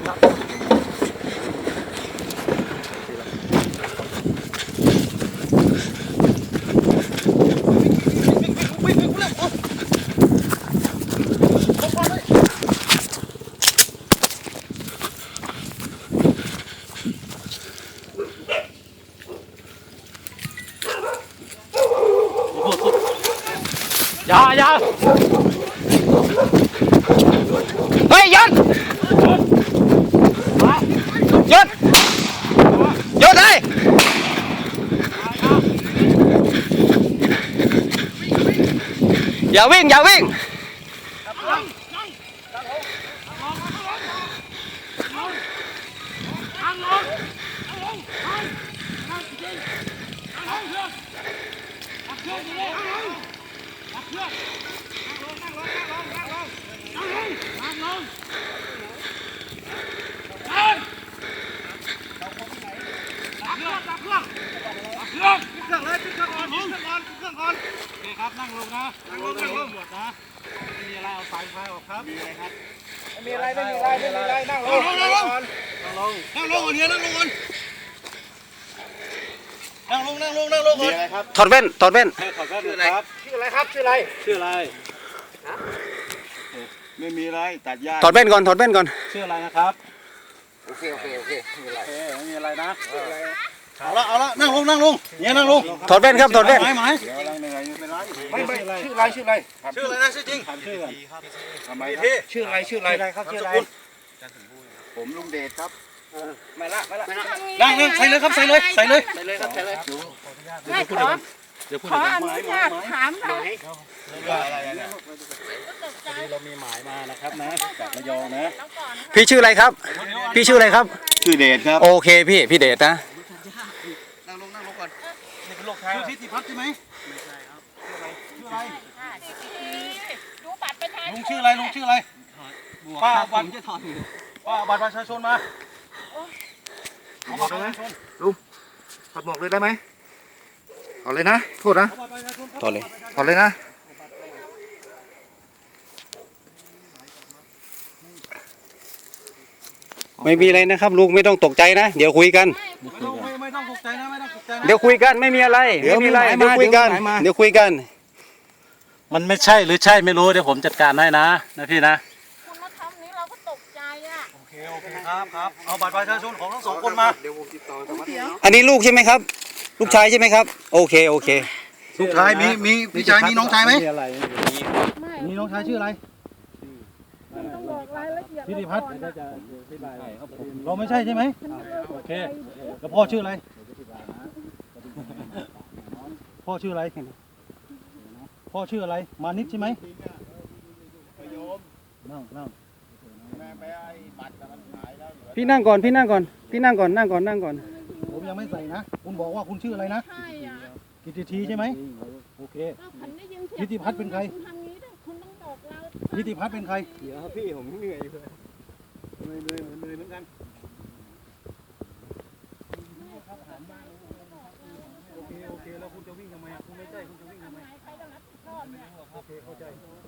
อย่าเฮ้ยหยุดเลยอย่าวิ่งนั่งลงนะหมดนะไม่มีอะไรเอาสายไฟออกครับมีอะไรครับไม่มีอะไรนั่งลงก่อนนั่งลงก่อนถอดแว่นชื่ออะไรไม่มีอะไรตัดหญ้าถอดแว่นก่อนชื่ออะไรนะครับโอเคไม่มีอะไรนะเอาละนั่งลงเนี่ยนั่งลงถอดแว่นครับถอดแว่นไม่ชื่ออะไรนะชื่อจริงชื่ออะไรครับผมลุงเดชครับไม่ละนั่งใส่เลยครับใส่เลยไม่ขออนุญาตถามหน่อยเรามีหมายมานะครับนะจากระยองนะพี่ชื่ออะไรครับชื่อเดชครับโอเคพี่เดชนะนั่งลงก่อนนี่เป็นโรคไทยชื่อทิติพัฒน์ใช่ไหมไม่ใช่ครับชื่ออะไรดูบัตรประชาชนลุงชื่ออะไรป้าบัตรประชาชนมาบอกเลยลุงถอดหมวกเลยได้ไหมถอดเลยนะโทษนะถอดเลยนะไม่มีอะไรนะครับลุงไม่ต้องตกใจนะเดี๋ยวคุยกันไม่ต้องตกใจนะเดี๋ยวคุยกันไม่มีอะไรเดี๋ยวคุยกันมันไม่ใช่หรือใช่ไม่รู้เดี๋ยวผมจัดการให้นะพี่นะคุณมาทำนี้เราก็ตกใจอ่ะโอเคครับเอาบัตรประชาชนของทั้งสองคนมาเดี๋ยวผมติดต่ออันนี้ลูกใช่ไหมครับลูกชายใช่ไหมครับโอเคลูกชายมีพี่ชายมีน้องชายไหมมีน้องชายชื่ออะไรพิธิพัฒน์เราไม่ใช่ใช่ไหมโอเคแล้วพ่อชื่ออะไรมานิดใช่ไหมนั่งพี่นั่งก่อนผมยังไม่ใส่นะคุณบอกว่าคุณชื่ออะไรนะกิตติใช่ไหมโอเคพิธิพัฒน์เป็นใครพิธิพัฒน์เป็นใครเดี๋ยวพี่ผมเหนื่อยเลยเหมือนกันโอเคแล้วคุณจะวิ่งทำไมคุณไม่ใช่คุณจะวิ่งทำไมโอเคเข้าใจ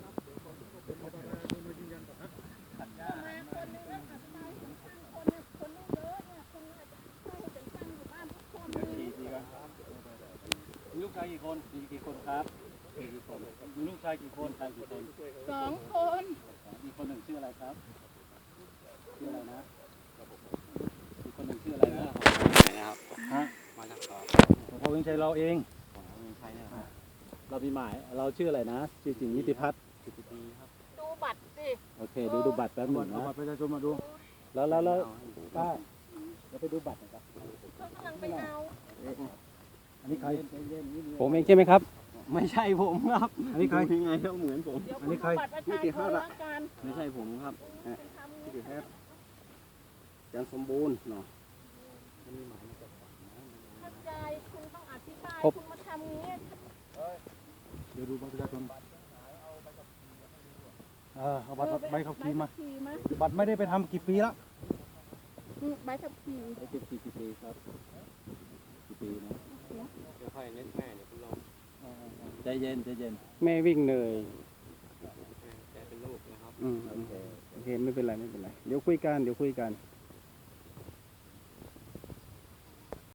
มีลูกชายกี่คนครับมีลูกชายกี่คน 2 คนอีกคนหนึ่งชื่ออะไรครับชื่ออะไรนะอีกคนหนึ่งชื่ออะไรนะครับมาจากพ่อวิชัยเราเองเรามีหมายเราชื่ออะไรนะชื่อจริงนิติพัฒน์ครับดูบัตรสิโอเคดูบัตรแป๊บหนึ่งนะบัตรประชาชนมาดูแล้วป้าจะไปดูบัตรนะครับเขากำลังไปเอาอันนี้ใครผมเองใช่ไหมครับไม่ใช่ผมครับอันนี้ใครยังไงเขาเหมือนผมอันนี้ใครนิติพัฒน์ไม่ใช่ผมครับนิติพัฒน์ยังสมบูรณ์เนาะเข้าใจคุณต้องอธิบายคุณมาทำนี้เดี๋ยวดูบัตรประชาชนเอาบัตรใบขับขี่มาบัตรไม่ได้ไปทำกี่ปีแล้วใบขับขี่กี่ปีครับกี่ปีนะค่อยๆเน้นแม่เนี่ยคุณลองใจเย็นแม่วิ่งเหนื่อยแกเป็นลูกนะครับโอเคไม่เป็นไรเดี๋ยวคุยกัน